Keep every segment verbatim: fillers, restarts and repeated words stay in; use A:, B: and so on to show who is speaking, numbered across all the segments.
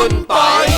A: คุณปอย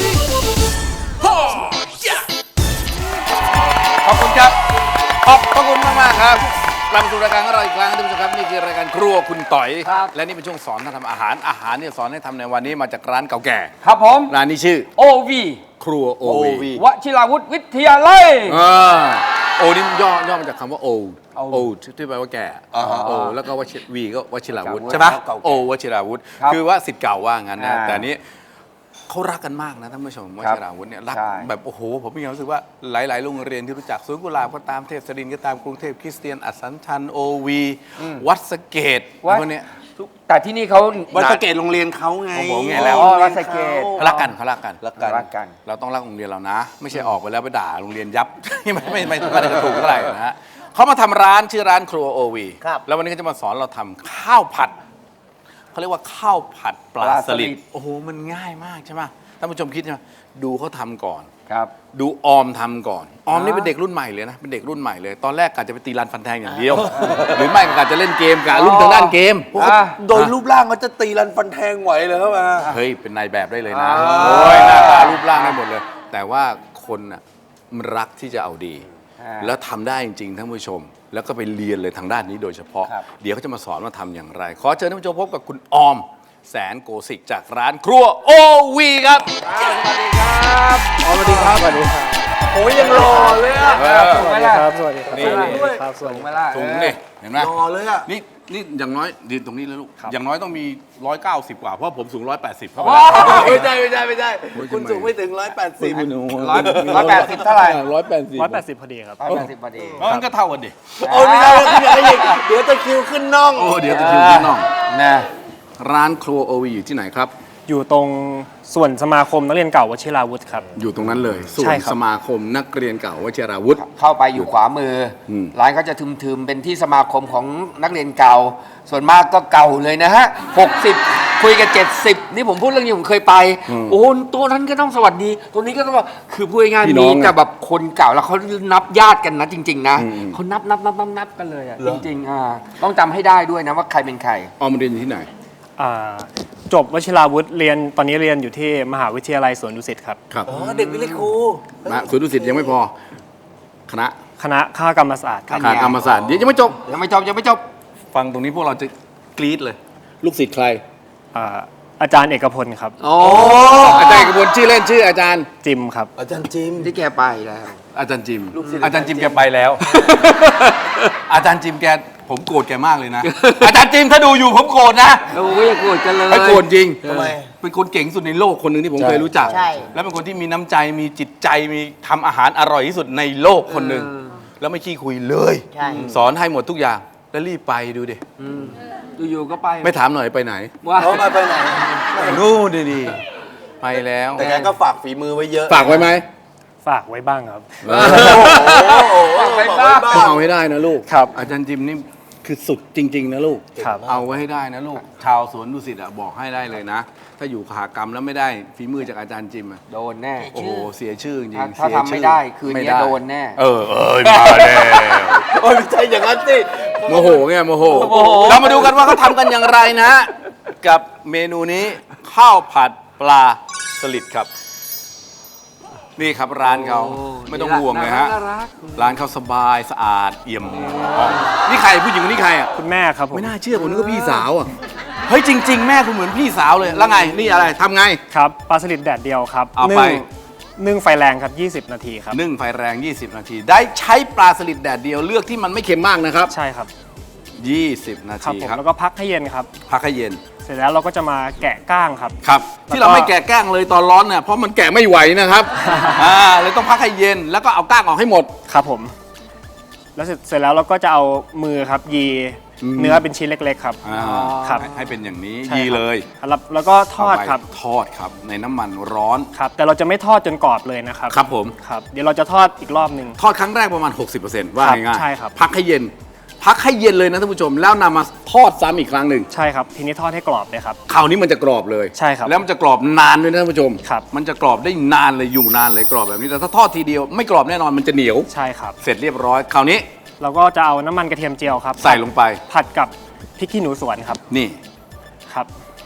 A: ขอบคุณครับขอบพระคุณมากมากครับกลับมาสู่รายการของเราอีกครั้งท่านผู้ชมครับนี่คือรายการครัวคุณต่อยและนี่เป็นช่วงสอนท่านทำอาหารอาหารเนี่ยสอนให้ทำในวันนี้มาจากร้านเก่าแก่
B: ครับผม
A: ร้านนี้ชื่อ
B: โอ วี
A: ครัวโอวี
B: วชิราวุธวิทยาลัย
A: โอนี่ย่อย่อมาจากคำว่าโอโอที่แปลว่าแก่โอแล้วก็วชิวีก็วชิราวุธใช่ไหมโอวชิราวุธคือว่าสิทธิ์เก่าว่างั้นนะแต่นี้เขารักกันมากนะท่านผู้ชมวชิราวุธเนี่ยรักแบบโอ้โหผมมีความรู้สึกว่าหลายๆโรงเรียนที่รู้จักสวนกุหลาบก็ตามเทพศรินทร์ก็ตามกรุงเทพคริสเตียนอัสสัมชัญโอวีวัดสะเกษพวกนี้
B: แต่ที่นี่เขา
C: วัดสะเกษโรงเรียนเขาไง
A: ผมไงแล้ว
B: วัดสะเกษ
A: เขารักกันเขารักกัน
B: รักกัน
A: เราต้องรักโรงเรียนเรานะไม่ใช่ออกไปแล้วไปด่าโรงเรียนยับไม่ไม่ไม่ไม่ได้ถูกเท่าไหร่นะฮะเขามาทำร้านชื่อร้านครัวโอวีแล้ววันนี้ก็จะมาสอนเราทำข้าวผัดเขาเรียกว่าข้าวผัดปลาสลิดโอ้โหมันง่ายมากใช่ไหมท่านผู้ชมคิดใช่ไหมดูเขาทำก่อน
B: ครับ
A: ดูออมทำก่อนออมนี่เป็นเด็กรุ่นใหม่เลยนะเป็นเด็กรุ่นใหม่เลยตอนแรกกะจะไปตีรันฟันแทงอย่างเดียวหรือไม่กะจะเล่นเกมกะรุ่นทางด้านเกม
C: โดยรูปร่างเขาจะตีรันฟันแทงไหวเลยเข้ามา
A: เฮ้ยเป็นนายแบบได้เลยนะโอ้ยหน้าตารูปร่างได้หมดเลยแต่ว่าคนน่ะมันรักที่จะเอาดีแล้วทำได้จริงๆท่านผู้ชมแล้วก็ไปเรียนเลยทางด้านนี้โดยเฉพาะเดี๋ยวเขาจะมาสอนว่าทำอย่างไรขอเชิญท่านผู้ชมพบกับคุณออมแสนโกสิกจากร้านครัวโอวีครับ
B: สวัสดีครับ
A: สวัสดีครับสวัสดีครับ
C: โอ้ยยังรอเลยอ่ะ
B: สวัสดีครับสวัสดีครับ
A: นี่
B: ครับสวัสดี
A: ถุงนี่เห็นไหม
C: รอเลยอ่ะ
A: นี่นี่อย่างน้อยยืนตรงนี้แล้วลูกอย่างน้อยต้องมีร้อยเก้าสิบกว่าเพราะผมสูงร้อยแปดสิบเข้าไป
C: ไม่ใช่ไม่ใช่ไม่ใช่คุณสูงไม่ถึงร้อยแปดสิบ
B: ร้อยร้อยแปดสิบเท่าไหร่
A: ร้อยแปดสิบ
D: ร้อยแปดสิบพอดีครับ
B: ร้อยแปดสิบพอดี
A: มันก็เท่ากันดิ
C: โอ้ไม่ได้ไม่ได้เดี๋ยวตะคิวขึ้นน่อง
A: โอ้เดี๋ยวตะคิวขึ้นน่องนะร้านครัวโอวีอยู่ที่ไหนครับ
D: อยู่ตรงส่วนสมาคมนักเรียนเก่าวชิราวุธครับ
A: อยู่ตรงนั้นเลยส่วนสมาคมนักเรียนเก่าวชิราวุธ
B: เข้าไปอยู่ขวามือร้านก็จะทึมๆเป็นที่สมาคมของนักเรียนเก่าส่วนมากก็เก่าเลยนะฮะหกสิบคุยกันเจ็ดสิบนี่ผมพูดเรื่องนี้ผมเคยไปโอ้ตัวนั้นก็ต้องสวัสดีตัวนี้ก็ต้องคือพูดง่ายๆมีแต่แบบคนเก่าแล้วเขานับญาติกันนะจริงๆนะเขานับนับนับนับนับกันเลยอ่ะจริงๆอ่าต้องจำให้ได้ด้วยนะว่าใครเป็นใคร
A: ออมเรียนอยู่ที่ไหน
D: จบวชิราวุธเรียนตอนนี้เรียนอยู่ที่มหาวิทยาลัยสวนดุสิตครับ
A: ครับ
C: อ๋อเด็กวิเลยครู
A: นะสวนดุสิตยังไม่พอคณะ
D: คณะข้ากรรมศาสตร์
A: ข้ากรรมศาสตร์เดี๋ยวยังไม่จบ
B: ยังไม่จบยังไม่จบ
A: ฟังตรงนี้พวกเราจะกรี๊ดเลยลูกศิษย์ใคร
D: อาจารย์เอกพลครับ
A: อ๋ออาจารย์เอกพลชื่อเล่นชื่ออาจารย์
D: จิมครับ
C: อาจารย์จิม
B: ที่แกไปแล้ว
A: อาจารย์จิมอาจารย์จิมแกไปแล้วอาจารย์จิมแกผมโกรธแกมากเลยนะอาจารย์จิมถ้าดูอยู่ผมโกรธนะ
B: โอ้ยโกรธกันเลย
A: ไม่โกรธจริงทำไมเป็นคนเก่งสุดในโลกคนหนึ่งที่ผมเคยรู้จักแล้วเป็นคนที่มีน้ำใจมีจิตใจมีทำอาหารอร่อยที่สุดในโลกคนหนึ่งแล้วไม่ขี้คุยเลยสอนให้หมดทุกอย่างแล้วรีบไปดูดิ
B: อยู่ๆก็ไป
A: ไม่ถามหน่อยไปไหน
C: ว่าเขาไปไหน
A: นู่นดีๆไปแล้ว
C: แต่แกก็ฝากฝีมือไว้เยอะ
A: ฝากไว้ไหม
D: ฝากไว้บ้างครับ
B: ฝากไว้บ้าง
A: ต้องเอาให้ได้นะลูก
D: ครับ
A: อาจารย์จิมนี่คือสุดจริงๆนะลูกเอาไว้ให้ได้นะลูกชาวสวนดุสิตบอกให้ได้เลยนะถ้าอยู่ขากรรมแล้วไม่ได้ฝีมือจากอาจารย์จิม
B: โดนแน่
A: โอ้โหเสียชื่อจริง
B: ถ้าทำไม่ได้คืนนี้โดนแน่
A: เออเออมาแน่
C: โอ้ยไม่ใช่อย่างนั้นสิ
A: โมโหไงโมโหเรามาดูกันว่าเขาทำกันอย่างไรนะกับเมนูนี้ข้าวผัดปลาสลิดครับนี่ครับร้านเขาไม่ต้องห่วงเลยฮะร้านเขาสบายสะอาดเอี่ยมนี่ใครผู้หญิงคนนี้ใครอ่ะ
D: คุณแม่ครับผม
A: ไม่น่าเชื่อผมนึกว่าพี่สาวอ่ะเฮ้ยจริงๆแม่คุณเหมือนพี่สาวเลยแล้วไงนี่อะไรทำไง
D: ครับปลาสลิดแดดเดียวครับ
A: เอาไป
D: นึ่งไฟแรงครับยี่สิบนาทีครับ
A: นึ่งไฟแรงยี่สิบนาทีได้ใช้ปลาสลิดแดดเดียวเลือกที่มันไม่เค็มมากนะครับ
D: ใช่ครับ
A: ยี่สิบนาทีครับ
D: แล้วก็พักให้เย็นครับ
A: พักให้เย็น
D: เสร็จแล้วเราก็จะมาแกะก้างครับ
A: ครับที่เราไม่แกะก้างเลยตอนร้อนเนี่ยเพราะมันแกะไม่ไหวนะครับอ่าเลยต้องพักให้เย็นแล้วก็เอาก้างออกให้หมด
D: ครับผมแล้วเสร็จแล้วเราก็จะเอามือครับยีเนื้อเป็นชิ้นเล็กๆครับ
A: ครับให้เป็นอย่างนี้ยีเลย
D: แล้วก็ทอดครับ
A: ทอดครับในน้ำมันร้อน
D: ครับแต่เราจะไม่ทอดจนกรอบเลยนะครับ
A: ครับผม
D: ครับเดี๋ยวเราจะทอดอีกรอบหนึ่ง
A: ทอดครั้งแรกประมาณ หกสิบเปอร์เซ็นต์ ว่าง่ายๆ
D: ใช่ครับ
A: พักให้เย็นพักให้เย็นเลยนะท่านผู้ชมแล้วนำมาทอดซ้ำอีกครั้งหนึ่ง
D: ใช่ครับทีนี้ทอดให้กรอบเลยครับ
A: คราวนี้มันจะกรอบเลย
D: ใช่ครับ
A: แล้วมันจะกรอบนานด้วยนะท่านผู้ชม
D: ครับ
A: มันจะกรอบได้นานเลยอยู่นานเลยกรอบแบบนี้แต่ถ้าทอดทีเดียวไม่กรอบแน่นอนมันจะเหนียว
D: ใช่ครับ
A: เสร็จเรียบร้อยคราวนี้
D: เราก็จะเอาน้ำมันกระเทียมเจียวครับ
A: ใส่ลงไป
D: ผัดกับพริกขี้หนูสวนครับ
A: นี่
D: ครับ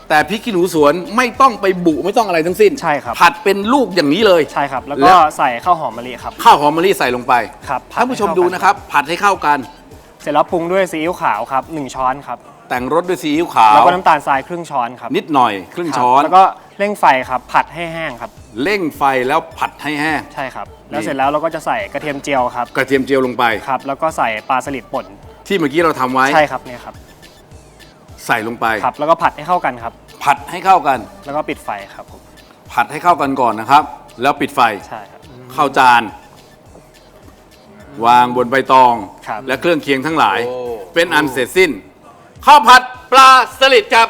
A: แต่พริกขี้หนูสวนไม่ต้องไปบุไม่ต้องอะไรทั้งสิ้น
D: ใช่ครับ
A: ผัดเป็นลูกอย่างนี้เลย
D: ใช่ครับ แล้ว
A: แล้
D: ก็
A: ว
D: ใส่ข้าวหอมมะลิครับ
A: ข้าวหอมมะลิใส่ลงไป
D: ครับผั
A: ท่านผู้ชมดูนะครับ ผัดให้เข้ากัน
D: เสร็จแล้วปรุงด้วยซีอิ๊วขาวครับหนึ่งช้อนครับ
A: แต่งรสด้วยซีอิ๊วขาว
D: แล้วก็น้ำตาลทรายครึ่งช้อนครับ
A: นิดหน่อยครึ่ง
D: ครับ
A: ช้อน
D: แล้วก็เร่งไฟครับผัดให้แห้งครับ
A: เร่งไฟแล้วผัดให้แห้ง
D: ใช่ครับ แล้วเสร็จแล้วเราก็จะใส่กระเทียมเจียวครับ
A: กระเทียมเจียวลงไป
D: ครับ แล้วก็ใส่ปลาสลิดป่น
A: ที่เมื่อกี้เราทำไว้
D: ใช่ครับเนี่ยครับ
A: ใส่ลงไป
D: ครับ แล้วก็ผัดให้เข้ากันครับ
A: ผัดให้เข้ากัน
D: แล้วก็ปิดไฟครับผม
A: ผัดให้เข้ากันก่อนนะครับ แล้วปิดไฟ
D: ใช่ครับ
A: เข้าจาน วางบนใบตอง
D: ครับ
A: และเครื่องเคียงทั้งหลาย เป็นอันเสร็จสิ้นข้าวผัดปลาสลิดครับ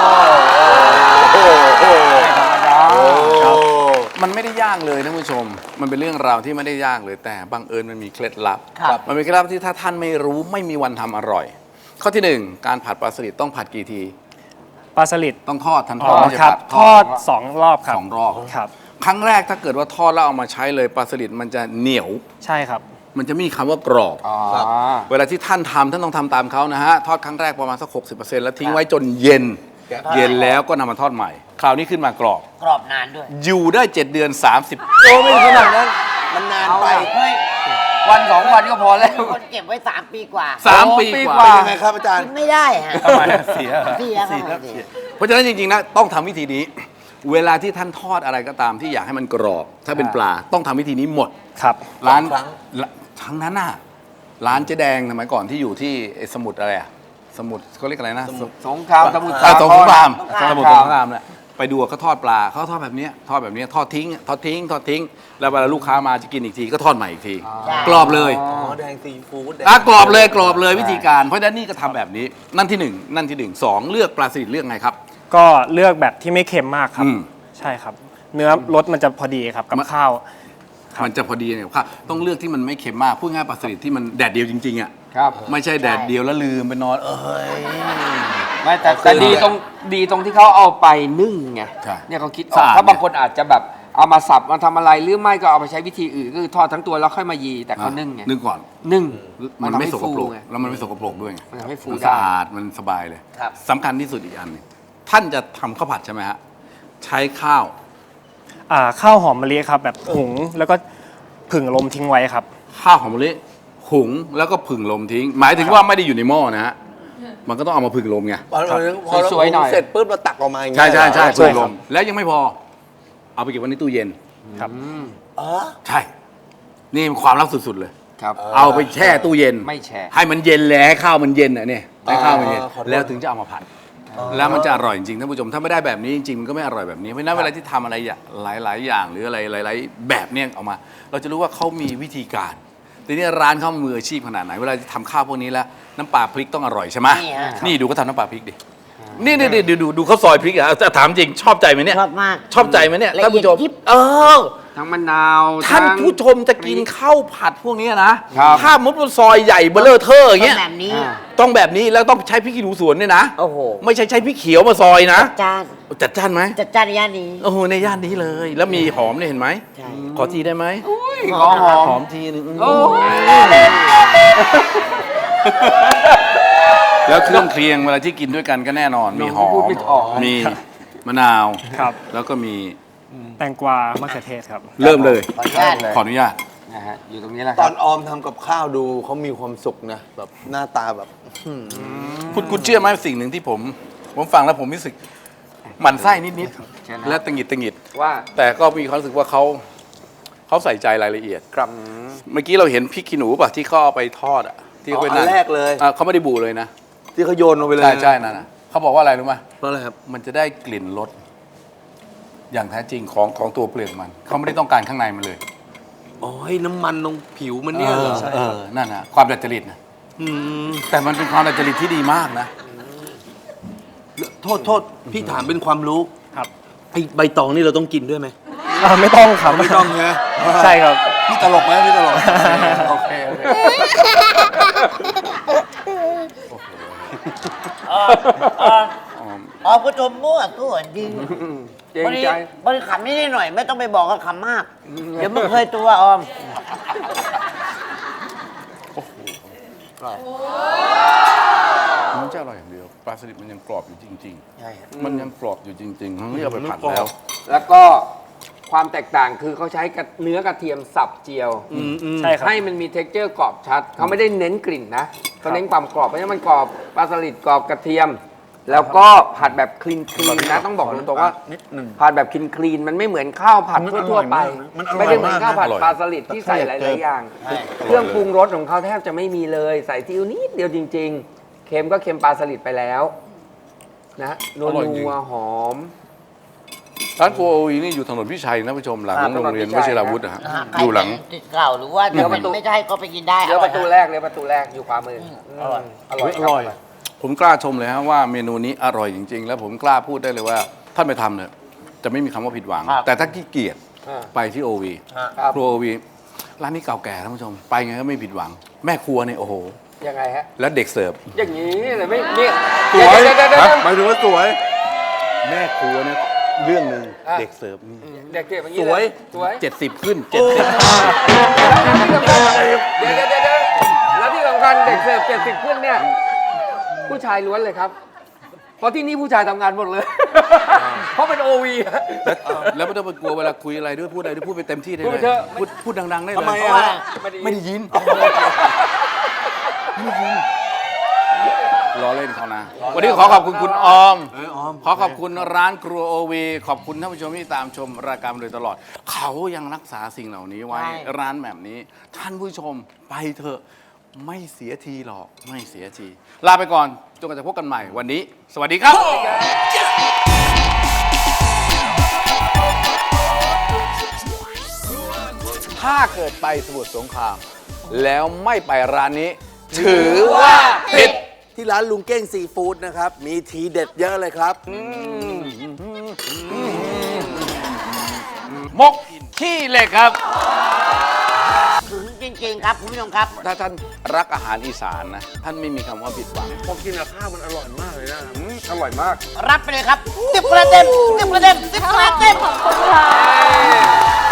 A: มันไม่ได้ยากเลยท่านผู้ชม มันเป็นเรื่องราวที่ไม่ได้ยากเลยแต่บังเอิญมันมีเคล็ดลับ
C: ครับ
A: มันเป็นเคล็ดลับที่ถ้าท่านไม่รู้ไม่มีวันทำอร่อย ข้อที่หนึ่งการผัดปลาสลิดต้องผัดกี่ที
D: ปลาสลิด
A: ต้องทอดทันท
D: อ๋
A: อ
D: อ
A: ดไม่ใช่
D: ครับ
A: ผัด
D: ทอดสองรอบครับ
A: สองรอบ
D: ครับ
A: ครั้งแรกถ้าเกิดว่าทอดแล้วเอามาใช้เลยปลาสลิดมันจะเหนียว
D: ใช่ครับ
A: มันจะไม่มีคำว่ากรอบ
B: อ๋อ
A: เวลาที่ท่านทำท่านต้องทำตามเขานะฮะ ทอดครั้งแรกประมาณสัก หกสิบเปอร์เซ็นต์ แล้วทิ้งไว้จนเย็น เย็นแล้วก็นำมาทอดใหม่ คราวนี้ขึ้นมากรอบ
E: กรอบนานด้วย
A: อยู่ได้ เจ็ด เดือน สามสิบ
C: โอ้ไม่ขนาดนั้น มันนานไป
E: เฮ้ย
B: วันสองวันก็พอแล้ว
E: คนเก็บไว้สามปีกว่า
A: สาม
B: โอ้
A: ปี
B: ปี
A: ก
B: ก
A: ว่า
B: ว่า
C: เป็นยังไงครับอาจารย์
E: กินไม่ได้ฮะ
A: ทำไมเสีย
E: เสียครับเสีย
A: เพราะฉะนั้นจริงๆนะต้องทำวิธีนี้ เวลาที่ท่านทอดอะไรก็ตามที่อยากให้มันกรอบ ถ้าเป็นปลาต้องทำวิธีนี้หมด
D: ครับ
A: ร้าน
C: สองครั้ง
A: ละทั้งนั้นน่ะร้านเจ๊แดงสมัยก่อนที่อยู่ที่ไอ้สมุทรอะไรอะสมุทรเขาเรียกอะไรนะ
B: สงครามสมุทร
A: อ่าสงคราม
B: สงคราม
A: สมุทรสงครามเนี่ยไปดูเขาทอดปลาเขาทอดแบบเนี้ยทอดแบบเนี้ยทอดทิ้งทอดทิ้งทอดทิ้ง แล้วเวลาลูกค้ามาจะกินอีกทีก็ทอดใหม่อีกที กรอบเลย
C: อ๋อแดงซีฟู้ดแดง
A: อ่ะกรอบเลยกรอบเลยวิธีการ เพราะฉะนั้นนี่ก็ทำแบบนี้ นั่นที่หนึ่งนั่นที่หนึ่งสองเลือกปลาสลิดเลือกไงครับ
D: ก็เลือกแบบที่ไม่เค็มมากครับ
A: อืม
D: ใช่ครับ เนื้อรสมันจะพอดีครับกับข้าว ครับ
A: มันจะพอดีเนี่ยครับต้องเลือกที่มันไม่เค็มมากพูดง่ายปลาสลิดที่มันแดดเดียวจริงๆอ่ะ
B: ครับ
A: ไม่ใช่แดดเดียวแล้วลืมไปนอนเอ้ย
B: ไม่แต่แต่ดีตรงดีตรงที่เขาเอาไปนึ่งไง
A: ใช่
B: เนี่ยเขาคิดออ
A: สะ
B: ก
A: อาด
B: ถ้าบางคนอาจจะแบบเอามาสับมาทำอะไรหรือไม่ก็เอาไปใช้วิธีอื่นก็คือทอดทั้งตัวแล้วค่อยมายีแต่เขานึ่งไง
A: นึ่งก่อน
B: นึ่ง
A: มันไม่
B: ทำให้
A: สกปรก
B: ฟูไง
A: แล้วมันไม่สกปรกด้วยไง
B: มันทำให้ฟู
A: มัน
B: ได้
A: สะอาดมันสบายเลย
E: ครับ
A: สำคัญที่สุดอีกอันหนึงท่านจะทำข้าวผัดใช่ไหมฮะใช้ข้าว
D: อ่าข้าวหอมมะลิครับแบบหุงแล้วก็ผึ่งลมทิ้งไว้ครับ
A: ข้าวหอมมะลิหุงแล้วก็ผึ่งลมทิ้ง หมายถึงว่าไม่ได้อยู่ในหม้อนะฮะมันก็ต้องเอามาผึ่งลมไง
C: พอเราพอเรา
B: สวยๆหน่อย
C: เสร็จปุ๊บเราตักออกมาอย่างเงี้
A: ใช่
C: ย
A: ใช่ใช่
D: ใช่
A: ผึ่ง
D: ค
A: ล
D: รับ
A: มแล้วยังไม่พอ เอาไปเก็บไว้ในตู้เย็น
D: ครับ
C: เออ
A: ใช่ นี่มันความลับสุดๆเลย
B: ครับ
A: เอาไปแช่ตู้เย็น
B: ไม่แช่
A: ให้มันเย็นเลยให้ข้าวมันเย็นอ่ะเนี่ยให้ข้าวมันเย็น
C: ขอโทษ
A: แล้วถึงจะเอามาผัด แล้วมันจะอร่อยจริงๆท่านผู้ชมถ้าไม่ได้แบบนี้จริงๆมันก็ไม่อร่อยแบบนี้เพราะฉะนั้นเวลาที่ทำอะไรอย่างหลายๆอย่างหรืออะไรหลายๆแบบเนี้ยออกมา เราจะรู้ว่าเขามีวิธีการทีนี้ร้านเขามืออาชีพขนาดไหนเวลาที่ทำข้าวพวกนี้แล้วน้ำปลาพริกต้องอร่อยใช่ไหม
E: นี่ฮะ
A: นี่ดูเขาทำน้ำปลาพริกดินี่นี่ดูดูดูเขาซอยพริกอ่ะจะถามจริงชอบใจไหมเนี่ย
E: ชอบมาก
A: ชอบใจไหมเนี่ย
E: ละเอียด
A: ท่านผู้ชม
E: ยิบ
A: เออ
B: ทั้งมะนาว
A: ท่าน
B: ทั้ง
A: ผู้ชมจะกินข้าวผัดพวกนี้นะครับ ถ้ามุดมันซอยใหญ่เบลเลอร์เทอร์อย่างเงี้ย
E: แบบนี้
B: อ่า
A: ต้องแบบนี้แล้วต้องใช้พริกขี้หนูสวนเนี่ยนะ
E: โอ้โห
A: ไม่ใช่ใช้พริกเขียวมาซอยนะ
E: จาน
A: จัดจ้านไหม
E: จัดจานในย่านนี้
A: โอ้โหในย่านนี้เลย แล้วมีหอมเนี่ยเห็นไหม
E: ใช่
A: ขอทีได้ไหม
B: ขอหอม
A: หอมทีนึง
B: โอ้
A: แล้วเครื่องเคียงเวลาที่กินด้วยกันก็แน่นอน มีหอ
B: พูด
A: ม
B: ไม่ออก
A: มีมะนาว
D: ครับ
A: แล้วก็มี
D: แตงกวามะเขือเทศครับ
A: เริ่มเลย
E: ขออนุญาต
A: ขออนุญาต
B: นะฮะอยู่ตรงนี้แหละค
C: ต
B: รั
C: อบ นออมทำกับข้าวดูเขามีความสุขนะแบบหน้าตาแบบ
A: คุณคุณเชื่อไหมสิ่งหนึ่งที่ผม ผมฟังแล้วผมรู้สึกหมั่นไส้นิด
B: เชิญนะ
A: ๆและตังหงิดตังหงิด
B: ว่า
A: แต่ก็มีความรู้สึกว่าเขาเขาใส่ใจรายละเอียด
C: ครับ
A: เมื่อกี้เราเห็นพริกขี้หนูป่ะที่เขาเอาไปทอดอ่ะที่เขาไป
C: อ๋ออั
A: นั่
C: น
A: น
C: แรกเลย
A: อ่ะเขาไม่ได้บูเลยนะ
C: ที่เขาโยนลงไปเลย
A: ใช่ใช่นั่นน่ะเขาบอกว่าอะไรรู้ไหม
C: เพราะอะไรครับ
A: มันจะได้กลิ่นรสอย่างแท้จริงของของตัวเปลือกมัน เขาไม่ได้ต้องการข้างในมันเลย
C: อ๋อให้น้ำมันตรงผิวมันเนี่ยเหรอ
A: เออนั่นนะความดัดจริตนะ
C: อืม
A: แต่มันเป็นความดัดจริตที่ดีมากนะ
C: โทษโทษพี่ถามเป็นความรู้
D: ครับ
C: ไอใบตองนี่เราต้องกินด้วยไหม
D: อ่าไม่ต้องครับ
C: ไม่ต้องใช่ไหม
D: ใช่ครับ
C: พี่ตลกไหมพี่ตลกโอเคโอเค
E: อ๋อผู้ชมมั่วตัวดี
B: เกรง
E: บริ
B: ใจ
E: บริขำนิดหน่อยไม่ต้องไปบอกว่าขำมาก เดี๋ยวมึงเคยตัวออม
A: อไม่ใช่อร่อยอย่างเดียวปลาสลิดมันยังกรอบอยู่จริง
E: ใช่ครับ
A: ๆ มันยังกรอบอยู่จริงๆทั้งที่เอาไปผัดแล้ว
B: แล้วก็ความแตกต่างคือเขาใช้กระเนื้อกระเทียมสับเจียว
D: ใช่ครับ
B: ให้มันมีเท็กเจอร์กรอบชัด เขาไม่ได้เน้นกลิ่นนะเขาเน้นความกรอบเพราะฉะนั้นมันกรอบปลาสลิดกรอบกระเทียม แล้วก็ผัดแบบคลีนคลีนนะต้องบอกตรงๆว่า
E: นิดหนึ่ง
B: ผัดแบบคลีนคลีนมันไม่เหมือนข้าวผัด
C: มัน
B: ทั่วๆไป
C: มันอร่อยมาก
B: ไม่ได้เหมือนข้าวผัด
A: อร่อย
B: ปลาสลิดที่ใส่หลายๆอย่าง
E: ใช่
B: เครื่องปรุงรสของเขาแทบจะไม่มีเลย ใส่ซีอิ๊วนิดเดียวจริง ๆ เค็มก็เค็มปลาสลิดไปแล้วนะนัว
A: อร่อยจริง
B: นัวหอม
A: ร้านโกโอวีนี่อยู่ถนนพิชัยนะผู้ชมหลัง
B: อ่า
A: โรงเรียน
B: ถนนพิ
A: ว
B: ชัย
A: ชิราวุธนะฮะ
E: อ่าใคร
A: อยู่หลัง
E: เป็นติดเก่าหรือว่า
B: เดี๋ยว
E: จะเป็น
B: ประตู
E: ไม่ใช่ก็ไปกินได้
B: เลี้ยว
E: อ
B: ป
E: อย
B: ระตู
E: ฮ
B: แรกเลี้ยวประตูแรกอยู่ขวามือ
E: อร่อย
B: อร่อย
C: อร่อย
B: คบ
A: ผมกล้าชมเลยฮะว่าเมนูนี้อร่อยจริง ๆ แล้วผมกล้าพูดได้เลยว่าท่านไปทำเนี่ยจะไม่มีคำว่าผิดหวัง
E: ครับ
A: แต่ถ้าขี้เกียจ
B: อ่า
A: ไปที่โอวี
B: ครับ
A: ครัวโอวีร้านนี้เก่าแก่ท่านผู้ชม ไปไงก็ไม่ผิดหวัง แม่ครัวเนี่ยโอ้โห
B: ยังไงฮะ
A: แล้วเด็กเสิร์ฟ
B: อย่างนี้เลยไม่เนี่ย
C: สวย
B: เดี๋ยวเดี๋ยวเดี๋ยว
C: ฮะ
B: เดี๋ยว
C: หมายถึงว่าสวย
A: แม่ครัวเนี่ยเรื่องหนึ่ง
B: อ่ะ
A: เด็กเสิร์ฟนี่
B: เด็กเก็บอย่างนี้
C: สวย
B: เลสวย
A: เจ็ดสิบขึ้นเจ็ดสิบ
B: เดี๋ยวเดี๋ยวเดี๋ยวเดี๋ยวแล้วที่สำคัญเด็กเสิร์ฟเจ็ดสิบขึ้นเนี่ย ผู้ชายล้วนเลยครับ เพราะที่นี่ผู้ชายทำงานหมดเลย เพราะเป็นโอวี
A: แล้วแล้วไม่ต้องไปกลัวเวลาคุยอะไรด้วยพูดอะไรด้วยพูดไปเต็มที่ได้
B: พู
A: เล
B: ด
A: ย
B: เถอะ
A: พูดพูดดังๆได้เลย
C: ทำไม
E: เพราะ
C: อะ
E: ว่า
A: ไม่ได้ยินรอเล่นเขานะ วันนี้ขอขอบคุณคุณออม
C: เออออม
A: ขอขอบคุณร้านครัวโอวีขอบคุณท่านผู้ชมที่ตามชมรายการมาโดยตลอด เขายังรักษาสิ่งเหล่านี้ไว้
E: ใช่
A: ร้านแบบนี้ ท่านผู้ชมไปเถอะไม่เสียทีหรอกไม่เสียที ลาไปก่อนจนกว่าจะพบกันใหม่วันนี้ สวัสดีครับ ถ้าเกิดไปสมุทรสงคราม แล้วไม่ไปร้านนี้ ถือว่าผิด
C: ที่ร้านลุงเก้งซีฟู้ดนะครับ มีทีเด็ดเยอะเลยครับ
A: มกขี้เหล็กครับ
E: ถึงจริง ๆ ครับคุณผู้ชมครับ
A: ถ้าท่านรักอาหารอีสานนะ ท่านไม่มีคำว่าผิดหวัง
C: พอกินกับข้าวมันอร่อยมากเลยนะ
B: อร่อยมาก
E: รับไปเลยครับสิบคะแนนเต็มสิบคะแนนเต็มสิบคะแนนเต็ม
F: ขอบคุณค่ะ